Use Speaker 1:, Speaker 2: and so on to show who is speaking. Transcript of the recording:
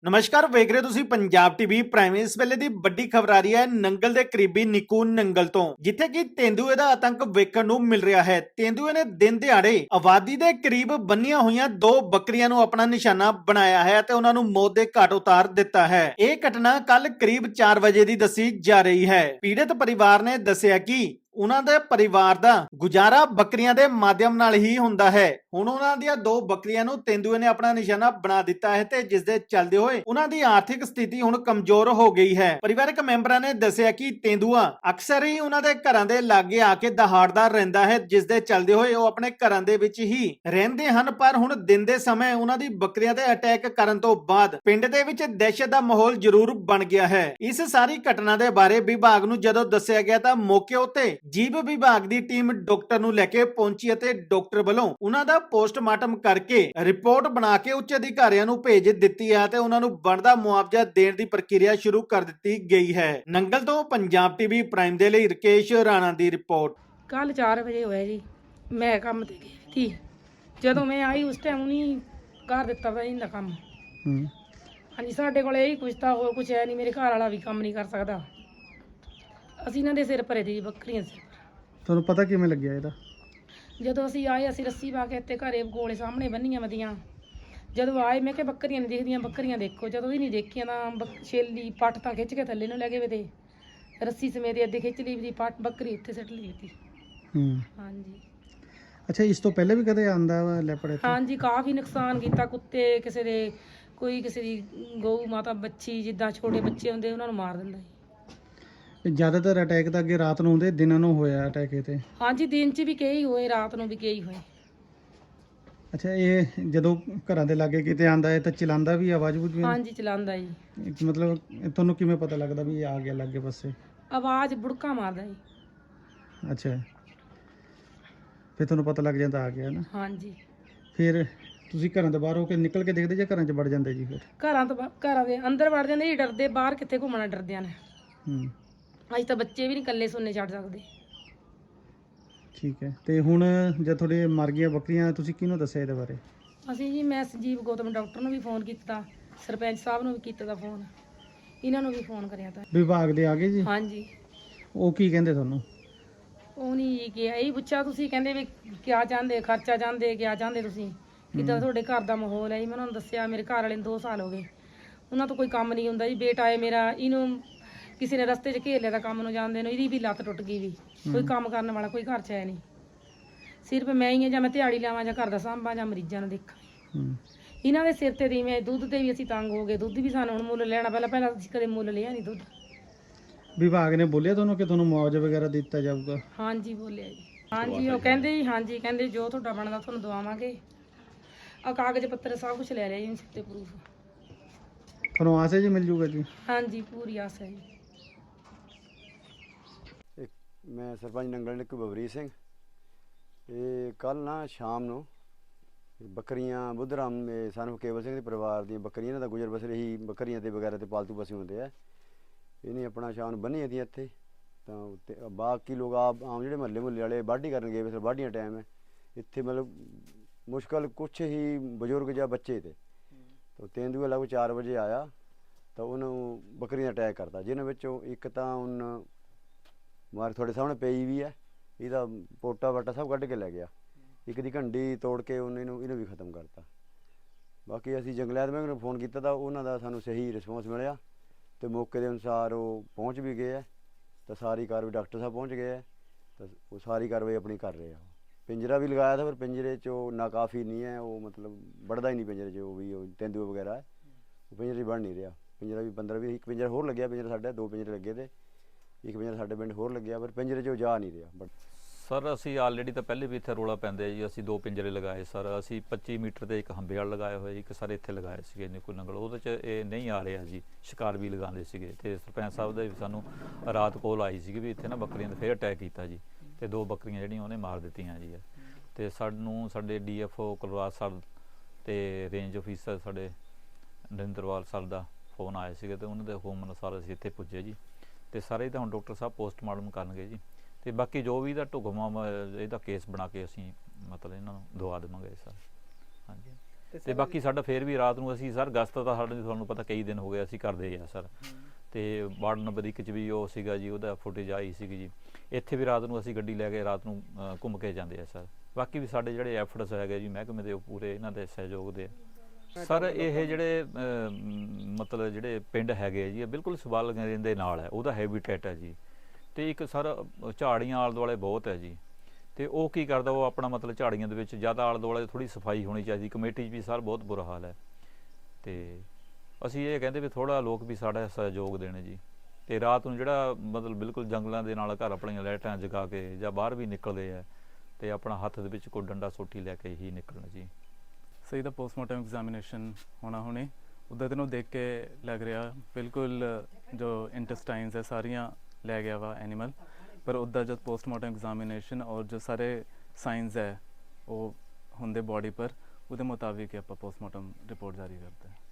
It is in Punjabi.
Speaker 1: ਨਮਸਕਾਰ ਵੇਖ ਰਹੇ ਤੁਸੀਂ ਪੰਜਾਬ ਟੀਵੀ ਪ੍ਰਾਈਮ। ਇਸ ਵੇਲੇ ਦੀ ਵੱਡੀ ਖਬਰ ਆ ਰਹੀ ਹੈ ਨੰਗਲ ਦੇ ਕਰੀਬੀ ਨਿੱਕੂ ਨੰਗਲ ਤੋਂ, ਜਿੱਥੇ ਕਿ ਤੇਂਦੂਏ ਦਾ ਆਤੰਕ ਵੇਖਣ ਨੂੰ ਮਿਲ ਰਿਹਾ ਹੈ। ਤੇਂਦੂਏ ਨੇ ਦਿਨ ਦਿਹਾੜੇ ਆਬਾਦੀ ਦੇ ਕਰੀਬ ਬੰਨੀਆਂ ਹੋਈਆਂ 2 ਬੱਕਰੀਆਂ ਨੂੰ ਆਪਣਾ ਨਿਸ਼ਾਨਾ ਬਣਾਇਆ ਹੈ ਤੇ ਉਹਨਾਂ ਨੂੰ ਮੌਤ ਦੇ ਘਾਟ ਉਤਾਰ ਦਿੱਤਾ ਹੈ। ਇਹ ਘਟਨਾ ਕੱਲ ਕਰੀਬ 4 ਵਜੇ ਦੀ ਦੱਸੀ ਜਾ ਰਹੀ ਹੈ। ਪੀੜਤ ਪਰਿਵਾਰ ਨੇ ਦੱਸਿਆ ਕਿ ਉਹਨਾਂ ਦੇ ਪਰਿਵਾਰ ਦਾ ਗੁਜ਼ਾਰਾ ਬੱਕਰੀਆਂ ਦੇ ਮਾਧਿਅਮ ਨਾਲ ਹੀ ਹੁੰਦਾ ਹੈ। ਹੁਣ ਉਹਨਾਂ ਦੀਆਂ 2 ਬੱਕਰੀਆਂ ਨੂੰ ਤੇਂਦੂਏ ਨੇ ਆਪਣਾ ਨਿਸ਼ਾਨਾ ਬਣਾ ਦਿੱਤਾ ਹੈ ਤੇ ਜਿਸ ਦੇ ਚੱਲਦੇ ਹੋਏ ਉਹਨਾਂ ਦੀ ਆਰਥਿਕ ਸਥਿਤੀ ਹੁਣ ਕਮਜ਼ੋਰ ਹੋ ਗਈ ਹੈ। ਪਰਿਵਾਰਕ ਮੈਂਬਰਾਂ ਨੇ ਦੱਸਿਆ ਕਿ ਤੇਂਦੂਆ ਅਕਸਰ ਹੀ ਉਹਨਾਂ ਦੇ ਘਰਾਂ ਦੇ ਲਾਗੇ ਆ ਕੇ ਦਹਾੜਦਾ ਰਹਿੰਦਾ ਹੈ, ਜਿਸ ਦੇ ਚੱਲਦੇ ਹੋਏ ਉਹ ਆਪਣੇ ਘਰਾਂ ਦੇ ਵਿੱਚ ਹੀ ਰਹਿੰਦੇ ਹਨ। ਪਰ ਹੁਣ ਦਿਨ ਦੇ ਸਮੇਂ ਉਹਨਾਂ ਦੀ ਬੱਕਰੀਆਂ ਤੇ ਅਟੈਕ ਕਰਨ ਤੋਂ ਬਾਅਦ ਪਿੰਡ ਦੇ ਵਿੱਚ ਦਹਿਸ਼ਤ ਦਾ ਮਾਹੌਲ ਜ਼ਰੂਰ ਬਣ ਗਿਆ ਹੈ। ਇਸ ਸਾਰੀ ਘਟਨਾ ਦੇ ਬਾਰੇ ਵਿਭਾਗ ਨੂੰ ਜਦੋਂ ਦੱਸਿਆ ਗਿਆ ਤਾਂ ਮੌਕੇ ਉੱਤੇ ਜੀਵ ਵਿਭਾਗ ਦੀ ਟੀਮ ਡਾਕਟਰ ਨੂੰ ਲੈ ਕੇ ਪਹੁੰਚੀ ਅਤੇ ਡਾਕਟਰ ਵੱਲੋਂ ਉਹਨਾਂ ਦਾ ਪੋਸਟਮਾਰਟਮ ਕਰਕੇ ਰਿਪੋਰਟ ਬਣਾ ਕੇ ਉੱਚ ਅਧਿਕਾਰੀਆਂ ਨੂੰ ਭੇਜ ਦਿੱਤੀ ਹੈ ਤੇ ਉਹਨਾਂ ਨੂੰ ਬਣਦਾ ਮੁਆਵਜ਼ਾ ਦੇਣ ਦੀ ਪ੍ਰਕਿਰਿਆ ਸ਼ੁਰੂ ਕਰ ਦਿੱਤੀ ਗਈ ਹੈ। ਨੰਗਲ ਤੋਂ ਪੰਜਾਬ ਟੀਵੀ ਪ੍ਰਾਈਮ ਦੇ ਲਈ ਰਕੇਸ਼ ਰਾਣਾ ਦੀ ਰਿਪੋਰਟ।
Speaker 2: ਕੱਲ 4 ਵਜੇ ਹੋਇਆ ਜੀ। ਮੈਂ ਕੰਮ ਤੇ ਗਈ ਸੀ। ਜਦੋਂ ਮੈਂ ਆਈ ਉਸ ਟਾਈਮ ਉਹਨੇ ਕਰ ਦਿੱਤਾ ਵਾ ਇਹਦਾ ਕੰਮ। ਹਾਂਜੀ, ਸਾਡੇ ਕੋਲ ਇਹੀ ਕੁਛ ਤਾਂ ਹੋਰ ਕੁਛ ਹੈ ਨਹੀਂ। ਮੇਰੇ ਘਰ ਵਾਲਾ ਵੀ ਕੰਮ ਨਹੀਂ ਕਰ ਸਕਦਾ। ਅਸੀਂ ਇਹਨਾਂ ਦੇ ਸਿਰ ਭਰੇ ਦੀ ਬੱਕਰੀਆਂ ਸਿਰ।
Speaker 3: ਤੁਹਾਨੂੰ ਪਤਾ ਕਿਵੇਂ ਲੱਗਿਆ ਇਹਦਾ?
Speaker 2: ਜਦੋਂ ਅਸੀਂ ਆਏ ਅਸੀਂ ਰੱਸੀ ਪਾ ਕੇ ਇੱਥੇ ਘਰੇ ਕੋਲੇ ਸਾਹਮਣੇ ਬੰਨੀਆਂ ਵਧੀਆਂ। ਜਦੋਂ ਆਏ ਮੈਂ ਕਿਹਾ ਬੱਕਰੀਆਂ ਨਹੀਂ ਦਿਖਦੀਆਂ, ਬੱਕਰੀਆਂ ਦੇਖੋ। ਜਦੋਂ ਵੀ ਨਹੀਂ ਦੇਖੀਆਂ ਤਾਂ ਛੇਲੀ ਪੱਟ ਤਾਂ ਖਿੱਚ ਕੇ ਥੱਲੇ ਨੂੰ ਲੈ ਗਏ ਵੇ ਤੇ ਰੱਸੀ ਸਮੇਤ ਅੱਧੇ ਖਿੱਚ ਲਈ ਵੀ ਪੱਟ ਬੱਕਰੀ ਇੱਥੇ ਸੱਟ ਲਈ ਤੀ। ਹਾਂਜੀ।
Speaker 3: ਅੱਛਾ, ਇਸ ਤੋਂ ਪਹਿਲੇ ਵੀ ਕਦੇ ਆਂਦਾ ਵਾ ਲੈਪੜ ਇੱਥੇ?
Speaker 2: ਹਾਂਜੀ, ਕਾਫੀ ਨੁਕਸਾਨ ਕੀਤਾ। ਕੁੱਤੇ ਕਿਸੇ ਦੇ, ਕੋਈ ਕਿਸੇ ਦੀ ਗਊ ਮਾਤਾ ਬੱਚੀ, ਜਿੱਦਾਂ ਛੋਟੇ ਬੱਚੇ ਹੁੰਦੇ ਉਹਨਾਂ ਨੂੰ ਮਾਰ ਦਿੰਦਾ ਜੀ।
Speaker 3: ਜ਼ਿਆਦਾਤਰ ਅਟੈਕ ਤਾਂ ਅੱਗੇ ਰਾਤ ਨੂੰ ਹੁੰਦੇ, ਦਿਨਾਂ ਨੂੰ ਹੋਇਆ ਅਟੈਕ ਇਹ ਤੇ?
Speaker 2: ਹਾਂਜੀ, ਦਿਨ 'ਚ ਵੀ ਕਈ ਹੋਏ, ਰਾਤ ਨੂੰ ਵੀ ਕਈ ਹੋਏ।
Speaker 3: ਅੱਛਾ, ਇਹ ਜਦੋਂ ਘਰਾਂ ਦੇ ਲਾਗੇ ਕਿਤੇ ਆਂਦਾ ਹੈ ਤਾਂ ਚਲਾਉਂਦਾ ਵੀ ਆਵਾਜ਼ ਬੂਝ ਵੀ?
Speaker 2: ਹਾਂਜੀ, ਚਲਾਉਂਦਾ ਜੀ।
Speaker 3: ਮਤਲਬ ਤੁਹਾਨੂੰ ਕਿਵੇਂ ਪਤਾ ਲੱਗਦਾ ਵੀ ਇਹ ਆ ਗਿਆ ਲਾਗੇ ਪਾਸੇ?
Speaker 2: ਆਵਾਜ਼ ਬੁੜਕਾ ਮਾਰਦਾ ਜੀ।
Speaker 3: ਅੱਛਾ, ਫਿਰ ਤੁਹਾਨੂੰ ਪਤਾ ਲੱਗ ਜਾਂਦਾ ਆ ਗਿਆ ਨਾ?
Speaker 2: ਹਾਂਜੀ।
Speaker 3: ਫਿਰ ਤੁਸੀਂ ਘਰਾਂ ਤੋਂ ਬਾਹਰ ਹੋ ਕੇ ਨਿਕਲ ਕੇ ਦੇਖਦੇ ਜਾਂ ਘਰਾਂ 'ਚ ਵੜ ਜਾਂਦੇ ਜੀ? ਫਿਰ
Speaker 2: ਘਰਾਂ ਦੇ ਅੰਦਰ ਵੜ ਜਾਂਦੇ ਜੀ, ਡਰਦੇ। ਬਾਹਰ ਕਿੱਥੇ ਘੁੰਮਣਾ, ਡਰਦਿਆਂ ਨੇ। ਅੱਜ ਤਾਂ ਬੱਚੇ ਵੀ ਨਹੀਂ ਇਕੱਲੇ ਸੁਣਨੇ ਛੱਡ ਸਕਦੇ।
Speaker 3: ਠੀਕ ਹੈ। ਤੇ ਹੁਣ ਜਦ ਤੁਹਾਡੇ ਮਰ ਗਈਆਂ ਬੱਕਰੀਆਂ, ਤੁਸੀਂ ਕਿਹਨੂੰ ਦੱਸਿਆ ਇਹਦੇ ਬਾਰੇ?
Speaker 2: ਅਸੀਂ ਜੀ, ਮੈਂ ਸੰਜੀਵ ਗੌਤਮ ਡਾਕਟਰ ਨੂੰ ਵੀ ਫੋਨ ਕੀਤਾ, ਸਰਪੰਚ ਸਾਹਿਬ ਨੂੰ ਵੀ ਕੀਤਾ ਦਾ ਫੋਨ, ਇਹਨਾਂ ਨੂੰ ਵੀ ਫੋਨ ਕਰਿਆ ਤਾਂ।
Speaker 3: ਵਿਭਾਗ ਦੇ ਆ ਗਏ ਜੀ?
Speaker 2: ਹਾਂਜੀ।
Speaker 3: ਉਹ ਕੀ ਕਹਿੰਦੇ ਤੁਹਾਨੂੰ?
Speaker 2: ਉਹ ਨਹੀਂ ਕਿਹਾ, ਇਹੀ ਪੁੱਛਿਆ ਤੁਸੀਂ ਕਹਿੰਦੇ ਵੀ ਕਿਆ ਚਾਹੁੰਦੇ, ਖਰਚਾ ਚਾਹੁੰਦੇ, ਕਿਆ ਚਾਹੁੰਦੇ ਤੁਸੀਂ, ਕਿੱਦਾਂ ਤੁਹਾਡੇ ਘਰ ਦਾ ਮਾਹੌਲ ਹੈ ਜੀ। ਮੈਂ ਉਹਨਾਂ ਨੂੰ ਦੱਸਿਆ ਮੇਰੇ ਘਰ ਵਾਲੇ ਨੂੰ 2 ਸਾਲ ਹੋ ਗਏ, ਉਹਨਾਂ ਤੋਂ ਕੋਈ ਕੰਮ ਨਹੀਂ ਹੁੰਦਾ ਜੀ। ਬੇਟਾ ਹੈ ਮੇਰਾ, ਇਹਨੂੰ ਕਿਸੇ ਨੇ ਰਸਤੇ 'ਚ ਘੇਰ ਲਿਆ ਤਾਂ ਕੰਮ ਨੂੰ ਜਾਂਦੇ ਨੂੰ, ਇਹਦੀ ਵੀ ਲੱਤ ਟੁੱਟ ਗਈ ਵੀ। ਕੋਈ ਕੰਮ ਕਰਨ ਵਾਲਾ ਕੋਈ ਘਰ 'ਚ ਹੈ ਨਹੀਂ। ਸਿਰਫ ਮੈਂ ਹੀ ਹਾਂ, ਜਾਂ ਮੈਂ ਦਿਹਾੜੀ ਲਾਵਾਂ ਜਾਂ ਘਰ ਦਾ ਸਾਂਭਾਂ ਜਾਂ ਮਰੀਜ਼ਾਂ ਨੂੰ ਦੇਖਾਂ। ਇਹਨਾਂ ਦੇ ਸਿਰ ਤੇ ਦੀ ਮੈਂ ਦੁੱਧ ਤੇ ਵੀ ਅਸੀਂ ਤੰਗ ਹੋ ਗਏ। ਦੁੱਧ ਵੀ ਸਾਨੂੰ ਹੁਣ ਮੁੱਲ ਲੈਣਾ, ਪਹਿਲਾਂ ਅਸੀਂ ਕਦੇ ਮੁੱਲ ਲਿਆ ਨਹੀਂ ਦੁੱਧ।
Speaker 3: ਵਿਭਾਗ ਨੇ ਬੋਲਿਆ ਤੁਹਾਨੂੰ ਕਿ ਤੁਹਾਨੂੰ ਮੁਆਵਜ਼ਾ ਵਗੈਰਾ ਦਿੱਤਾ ਜਾਊਗਾ?
Speaker 2: ਹਾਂਜੀ, ਬੋਲਿਆ ਜੀ। ਹਾਂਜੀ, ਉਹ ਕਹਿੰਦੇ ਜੀ, ਹਾਂਜੀ ਕਹਿੰਦੇ ਜੋ ਤੁਹਾਡਾ ਬਣਦਾ ਤੁਹਾਨੂੰ ਦਵਾਵਾਂਗੇ। ਆ ਕਾਗਜ਼ ਪੱਤਰ ਸਭ ਕੁਝ ਲੈ ਲਿਆ ਜੀ, ਸਿਰ ਤੇ ਪ੍ਰੂਫ।
Speaker 3: ਤੁਹਾਨੂੰ ਆਸ ਹੈ ਜੀ ਮਿਲ ਜੂਗਾ ਜੀ?
Speaker 2: ਹਾਂਜੀ, ਪੂਰੀ ਆਸ ਹੈ ਜੀ।
Speaker 4: ਮੈਂ ਸਰਪੰਚ ਨੰਗਲ ਨਿੱਕੂ ਬਵਰੀਤ ਸਿੰਘ। ਇਹ ਕੱਲ ਨਾ ਸ਼ਾਮ ਨੂੰ ਬੱਕਰੀਆਂ ਬੁੱਧਰਾਮ ਸਾਨੂੰ ਕੇਵਲ ਸਿੰਘ ਦੇ ਪਰਿਵਾਰ ਦੀਆਂ ਬੱਕਰੀਆਂ, ਇਹਨਾਂ ਦਾ ਗੁਜ਼ਰ ਬਸਰ ਇਹੀ ਬੱਕਰੀਆਂ ਤੇ ਵਗੈਰਾ ਤੇ ਪਾਲਤੂ ਪਸ਼ੂ ਹੁੰਦੇ ਆ। ਇਹਨੇ ਆਪਣਾ ਸ਼ਾਮ ਨੂੰ ਬੰਨੀ ਦੀਆਂ ਇੱਥੇ, ਤਾਂ ਬਾਕੀ ਲੋਕ ਆਮ ਜਿਹੜੇ ਮਹੱਲੇ ਵਾਲੇ ਵਾਢੀ ਕਰਨ ਗਏ, ਫਿਰ ਵਾਢੀਆਂ ਟਾਈਮ ਹੈ ਇੱਥੇ, ਮਤਲਬ ਮੁਸ਼ਕਲ ਕੁਛ ਹੀ ਬਜ਼ੁਰਗ ਜਾਂ ਬੱਚੇ ਤੇ ਤੇਂਦੂਆ ਲਗਭਗ 4 ਵਜੇ ਆਇਆ ਤਾਂ ਉਹਨੂੰ ਬੱਕਰੀਆਂ ਦਾ ਅਟੈਕ ਕਰਤਾ, ਜਿਹਨਾਂ ਵਿੱਚੋਂ ਇੱਕ ਤਾਂ ਹੁਣ ਮਾਰ ਤੁਹਾਡੇ ਸਾਹਮਣੇ ਪਈ ਵੀ ਹੈ, ਇਹਦਾ ਪੋਟਾ ਵਾਟਾ ਸਭ ਕੱਢ ਕੇ ਲੈ ਗਿਆ। ਇੱਕ ਦੀ ਘੰਡੀ ਤੋੜ ਕੇ ਇਹਨੂੰ ਵੀ ਖਤਮ ਕਰਤਾ। ਬਾਕੀ ਅਸੀਂ ਜੰਗਲਾਤ ਮਹਿਕਮੇ ਨੂੰ ਫੋਨ ਕੀਤਾ ਤਾਂ ਉਹਨਾਂ ਦਾ ਸਾਨੂੰ ਸਹੀ ਰਿਸਪੌਂਸ ਮਿਲਿਆ ਅਤੇ ਮੌਕੇ ਦੇ ਅਨੁਸਾਰ ਉਹ ਪਹੁੰਚ ਵੀ ਗਏ ਹੈ ਤਾਂ ਸਾਰੀ ਕਾਰਵਾਈ, ਡਾਕਟਰ ਸਾਹਿਬ ਪਹੁੰਚ ਗਏ ਹੈ ਤਾਂ ਉਹ ਸਾਰੀ ਕਾਰਵਾਈ ਆਪਣੀ ਕਰ ਰਹੇ ਆ। ਪਿੰਜਰਾ ਵੀ ਲਗਾਇਆ था, ਪਰ ਪਿੰਜਰੇ 'ਚ ਉਹ ਨਾਕਾਫੀ ਨਹੀਂ ਹੈ, ਉਹ ਮਤਲਬ ਵੜਦਾ ਹੀ ਨਹੀਂ ਪਿੰਜਰੇ 'ਚ। ਉਹ ਵੀ ਉਹ ਤੇਂਦੂਆ ਵਗੈਰਾ ਹੈ, ਉਹ ਪਿੰਜਰੇ 'ਚ ਵੜ ਨਹੀਂ ਰਿਹਾ। ਪਿੰਜਰਾ ਵੀ 15-20 ਇੱਕ ਪਿੰਜਰਾ ਹੋਰ ਲੱਗਿਆ, ਪਿੰਜਰਾ ਸਾਡੇ 2 ਪਿੰਜਰੇ ਲੱਗੇ ਤੇ ਇੱਕ ਪਿੰਜਰਾ ਸਾਡੇ ਪਿੰਡ ਹੋਰ ਲੱਗਿਆ, ਪਰ ਪਿੰਜਰੇ 'ਚ ਉਹ ਜਾ ਨਹੀਂ ਰਿਹਾ।
Speaker 5: ਸਰ ਅਸੀਂ ਆਲਰੇਡੀ ਤਾਂ ਪਹਿਲੇ ਵੀ ਇੱਥੇ ਰੌਲਾ ਪੈਂਦੇ ਜੀ, ਅਸੀਂ 2 ਪਿੰਜਰੇ ਲਗਾਏ ਸਰ। ਅਸੀਂ 25 ਮੀਟਰ ਤੇ ਇੱਕ ਹੰਬੇ ਵਾਲ ਲਗਾਏ ਹੋਏ, ਇੱਕ ਸਾਰੇ ਇੱਥੇ ਲਗਾਏ ਸੀਗੇ ਨਿੱਕੂ ਨੰਗਲ। ਉਹਦੇ 'ਚ ਇਹ ਨਹੀਂ ਆ ਰਿਹਾ ਜੀ, ਸ਼ਿਕਾਰ ਵੀ ਲਗਾਉਂਦੇ ਸੀਗੇ। ਤੇ ਸਰਪੰਚ ਸਾਹਿਬ ਦਾ ਵੀ ਸਾਨੂੰ ਰਾਤ ਕੋਲ ਆਈ ਸੀਗੀ ਵੀ ਇੱਥੇ ਨਾ ਬੱਕਰੀਆਂ ਦਾ ਫਿਰ ਅਟੈਕ ਕੀਤਾ ਜੀ, ਤੇ 2 ਬੱਕਰੀਆਂ ਜਿਹੜੀਆਂ ਉਹਨੇ ਮਾਰ ਦਿੱਤੀਆਂ ਜੀ। ਤੇ ਸਾਨੂੰ ਸਾਡੇ DFO ਕੁਲਵਾਸ ਸਰ ਤੇ ਰੇਂਜ ਆਫੀਸਰ ਸਾਡੇ ਨਰਿੰਦਰਵਾਲ ਸਰ ਦਾ ਫੋਨ ਆਇਆ ਸੀਗਾ, ਤੇ ਉਹਨਾਂ ਦੇ ਹੁਕਮ ਅਨੁਸਾਰ ਅਸੀਂ ਇੱਥੇ ਪੁੱਜੇ ਜੀ। ਤੇ ਸਾਰੇ ਤਾਂ ਹੁਣ ਡਾਕਟਰ ਸਾਹਿਬ ਪੋਸਟਮਾਰਟਮ ਕਰਨਗੇ ਜੀ, ਤੇ ਬਾਕੀ ਜੋ ਵੀ ਇਹਦਾ ਢੁਕਵਾਂ ਇਹਦਾ ਕੇਸ ਬਣਾ ਕੇ ਅਸੀਂ ਮਤਲਬ ਇਹਨਾਂ ਨੂੰ ਦਵਾ ਦੇਵਾਂਗੇ ਸਰ। ਹਾਂਜੀ। ਤੇ ਬਾਕੀ ਸਾਡਾ ਫੇਰ ਵੀ ਰਾਤ ਨੂੰ ਅਸੀਂ ਸਰ ਗਸਤ ਤਾਂ ਸਾਡੇ ਤੁਹਾਨੂੰ ਪਤਾ ਕਈ ਦਿਨ ਹੋ ਗਏ ਅਸੀਂ ਕਰਦੇ ਆ ਸਰ। ਤੇ ਵਾਰਡ ਨੰਬਰ 1 'ਚ ਵੀ ਉਹ ਸੀਗਾ ਜੀ, ਉਹਦਾ ਫੁਟੇਜ ਆਈ ਸੀਗੀ ਜੀ। ਇੱਥੇ ਵੀ ਰਾਤ ਨੂੰ ਅਸੀਂ ਗੱਡੀ ਲੈ ਕੇ ਰਾਤ ਨੂੰ ਘੁੰਮ ਕੇ ਜਾਂਦੇ ਆ ਸਰ। ਬਾਕੀ ਵੀ ਸਾਡੇ ਜਿਹੜੇ ਐਫਰਟਸ ਹੈਗੇ ਜੀ ਮਹਿਕਮੇ ਦੇ, ਉਹ ਪੂਰੇ ਇਹਨਾਂ ਦੇ ਸਹਿਯੋਗ ਦੇ ਸਰ। ਇਹ ਜਿਹੜੇ ਮਤਲਬ ਜਿਹੜੇ ਪਿੰਡ ਹੈਗੇ ਆ ਜੀ, ਇਹ ਬਿਲਕੁਲ ਸਵਾਲ ਦੇ ਨਾਲ ਹੈ, ਉਹਦਾ ਹੈਬੀਟੇਟ ਹੈ ਜੀ। ਤੇ ਇੱਕ ਸਰ ਝਾੜੀਆਂ ਆਲੇ ਦੁਆਲੇ ਬਹੁਤ ਹੈ ਜੀ। ਤੇ ਉਹ ਕੀ ਕਰਦਾ, ਉਹ ਆਪਣਾ ਮਤਲਬ ਝਾੜੀਆਂ ਦੇ ਵਿੱਚ ਜ਼ਿਆਦਾ ਆਲੇ ਦੁਆਲੇ ਥੋੜ੍ਹੀ ਸਫਾਈ ਹੋਣੀ ਚਾਹੀਦੀ। ਕਮੇਟੀ 'ਚ ਵੀ ਸਰ ਬਹੁਤ ਬੁਰਾ ਹਾਲ ਹੈ। ਤੇ ਅਸੀਂ ਇਹ ਕਹਿੰਦੇ ਵੀ ਥੋੜ੍ਹਾ ਲੋਕ ਵੀ ਸਾਡਾ ਸਹਿਯੋਗ ਦੇਣ ਜੀ। ਤੇ ਰਾਤ ਨੂੰ ਜਿਹੜਾ ਮਤਲਬ ਬਿਲਕੁਲ ਜੰਗਲਾਂ ਦੇ ਨਾਲ ਘਰ ਆਪਣੀਆਂ ਲਾਈਟਾਂ ਜਗਾ ਕੇ ਜਾਂ ਬਾਹਰ ਵੀ ਨਿਕਲਦੇ ਆ, ਤੇ ਆਪਣਾ ਹੱਥ ਦੇ ਵਿੱਚ ਕੋਈ ਡੰਡਾ ਸੋਟੀ ਲੈ ਕੇ ਹੀ ਨਿਕਲਣ ਜੀ।
Speaker 6: ਸਹੀ ਦਾ ਪੋਸਟਮਾਰਟਮ ਐਗਜ਼ਾਮੀਨੇਸ਼ਨ ਹੋਣਾ ਹੁਣੇ, ਉੱਦਾਂ ਤੈਨੂੰ ਦੇਖ ਕੇ ਲੱਗ ਰਿਹਾ ਬਿਲਕੁਲ ਜੋ ਇੰਟੈਸਟਾਈਨਸ ਹੈ ਸਾਰੀਆਂ ਲੈ ਗਿਆ ਵਾ ਐਨੀਮਲ। ਪਰ ਉੱਦਾਂ ਜਦ ਪੋਸਟਮਾਰਟਮ ਐਗਜ਼ਾਮੀਨੇਸ਼ਨ ਔਰ ਜੋ ਸਾਰੇ ਸਾइंस ਹੈ ਉਹ ਹੁੰਦੇ ਬੋਡੀ ਪਰ, ਉਹਦੇ ਮੁਤਾबिक ਹੀ ਆਪਾਂ ਪੋਸਟਮਾਰਟਮ ਰਿਪੋਰਟ ਜਾਰੀ ਕਰਦੇ ਹਾਂ।